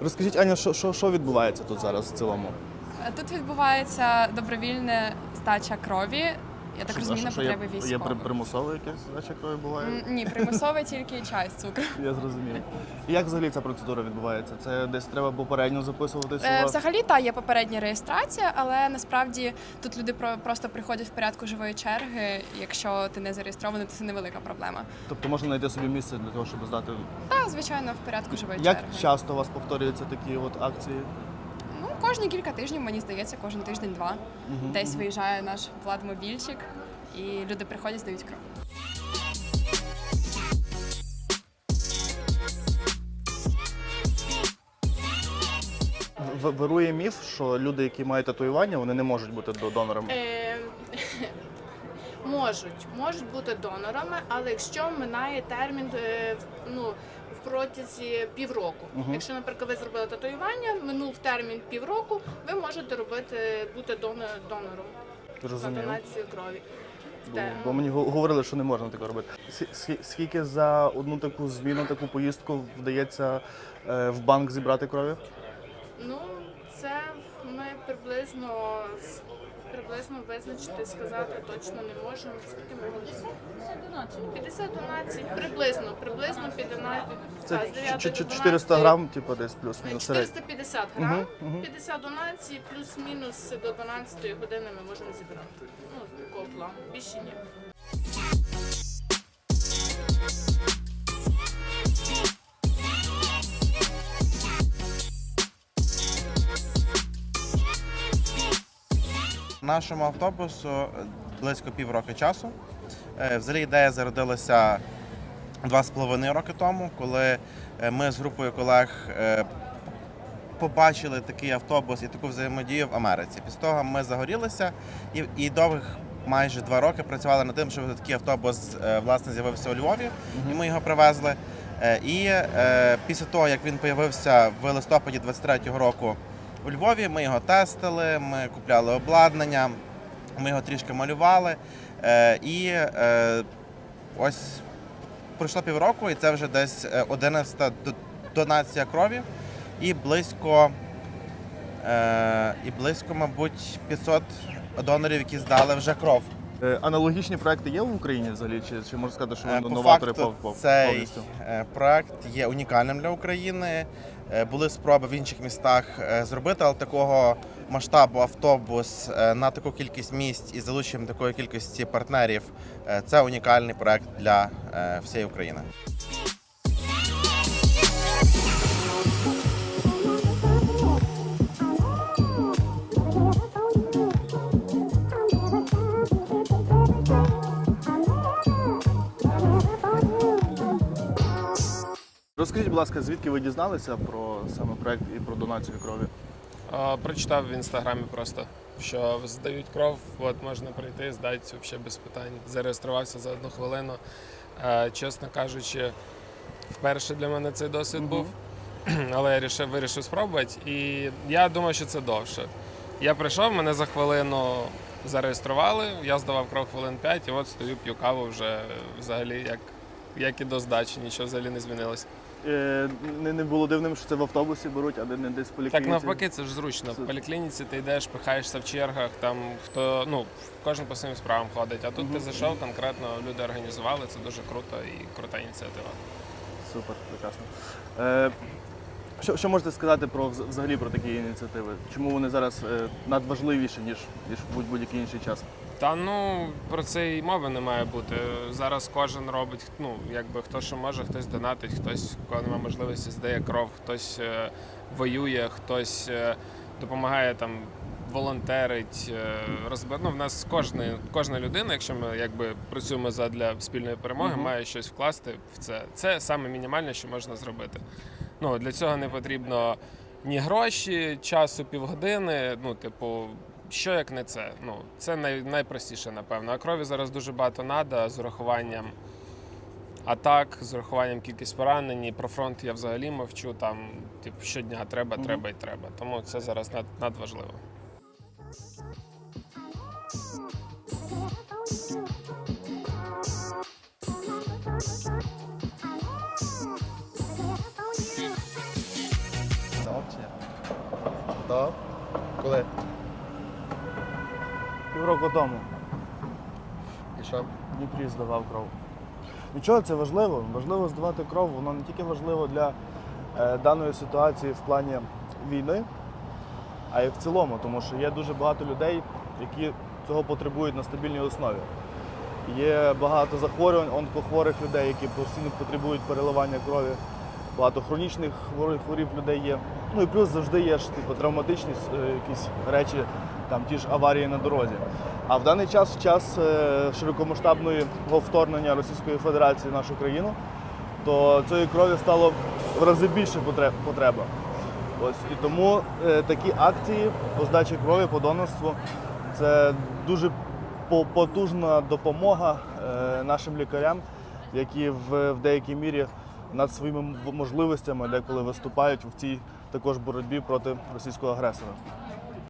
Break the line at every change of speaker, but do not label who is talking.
Розкажіть, Аня, що відбувається тут зараз в цілому?
Тут відбувається добровільна здача крові. Я так розумію, на потреби військових.
Є примусове якесь здача крові буває?
Ні, примусове тільки чай з цукру.
Я зрозумів. І як взагалі ця процедура відбувається? Це десь треба попередньо записуватися?
Взагалі, є попередня реєстрація, але насправді тут люди просто приходять в порядку живої черги. Якщо ти не зареєстрований, то це невелика проблема.
Тобто можна знайти собі місце для того, щоб здати?
Так, звичайно, в порядку живої
Як
черги.
Як часто у вас повторюються такі от акції?
Кожні кілька тижнів, мені здається, кожен тиждень-два. Десь виїжджає наш владмобільчик, і люди приходять, здають кров.
Вирує міф, що люди, які мають татуювання, вони не можуть бути донорами?
Можуть бути донорами, але якщо минає термін в протязі півроку. Якщо, наприклад, ви зробили татуювання, минув термін півроку, ви можете бути донором за донацію крові.
Бо мені говорили, що не можна такого робити. Скільки за одну таку зміну, таку поїздку вдається в банк зібрати крові?
Це ми приблизно визначити, сказати точно не можемо. Скільки ми можемо? 50 донацій. Приблизно 50.
Це 400 грам, типу, десь плюс-мінус.
450 грам, 50 донацій, плюс-мінус до 12 години ми можемо зібрати. Такого плану. Більше ні.
Нашому автобусу близько півроку часу. Взагалі ідея зародилася 2,5 роки тому, коли ми з групою колег побачили такий автобус і таку взаємодію в Америці. Після того ми загорілися і довгих майже 2 роки працювали над тим, щоб такий автобус власне з'явився у Львові, і ми його привезли. І після того, як він з'явився в листопаді 23-го року у Львові, ми його тестили, ми купляли обладнання, ми його трішки малювали. І ось пройшло півроку, і це вже десь 11-та донація крові і близько, мабуть, 500 донорів, які здали вже кров.
Аналогічні проекти є в Україні взагалі? Чи можна сказати, що
По
новатори
факту, цей проект є унікальним для України. Були спроби в інших містах зробити, але такого масштабу автобус на таку кількість місць із залученням такої кількості партнерів – це унікальний проект для всієї України.
Розкажіть, будь ласка, звідки ви дізналися про саме проект і про донацію крові?
Прочитав в інстаграмі просто, що здають кров, от можна прийти, здати взагалі без питань. Зареєструвався за 1 хвилину. Чесно кажучи, вперше для мене цей досвід був, але я вирішив спробувати, і я думав, що це довше. Я прийшов, мене за хвилину зареєстрували, я здавав кров хвилин 5, і от стою, п'ю каву вже взагалі, як і до здачі, нічого взагалі не змінилося.
Не було дивним, що це в автобусі беруть, а не десь в поліклініці?
Так навпаки, це ж зручно. В поліклініці ти йдеш, пихаєшся в чергах, там кожен по своїм справам ходить. А тут ти зайшов, конкретно люди організували, це дуже круто і крута ініціатива.
Супер, прекрасно. Що можете сказати взагалі про такі ініціативи? Чому вони зараз надважливіші, ніж в будь-який інший час?
Про це і мови не має бути. Зараз кожен робить, хто що може, хтось донатить, хтось, у кого немає можливості, здає кров, хтось воює, хтось допомагає там, волонтерить, в нас кожна людина, якщо ми працюємо задля спільної перемоги, має щось вкласти в це. Це саме мінімальне, що можна зробити. Для цього не потрібно ні гроші, часу півгодини, що як не це? Це найпростіше, напевно. А крові зараз дуже багато треба, з урахуванням атак, з урахуванням кількість поранень. Про фронт я взагалі мовчу, щодня треба. Тому це зараз надважливо.
чи ні? Так. Коли?
Півроку тому
І що?
в Дніпрі здавав кров. Нічого, це важливо. Важливо здавати кров. Воно не тільки важливо для даної ситуації в плані війни, а й в цілому, тому що є дуже багато людей, які цього потребують на стабільній основі. Є багато захворювань, онкохворих людей, які постійно потребують переливання крові. Багато хронічних хворів людей є. Ну і плюс завжди є ж травматичні якісь речі, там ті ж аварії на дорозі. А в даний час, в час широкомасштабного вторгнення Російської Федерації в нашу країну, то цієї крові стало в рази більше потреба. Ось і тому такі акції по здачі крові, по донорству це дуже потужна допомога нашим лікарям, які в деякій мірі над своїми можливостями деколи виступають в цій також боротьбі проти російського агресора.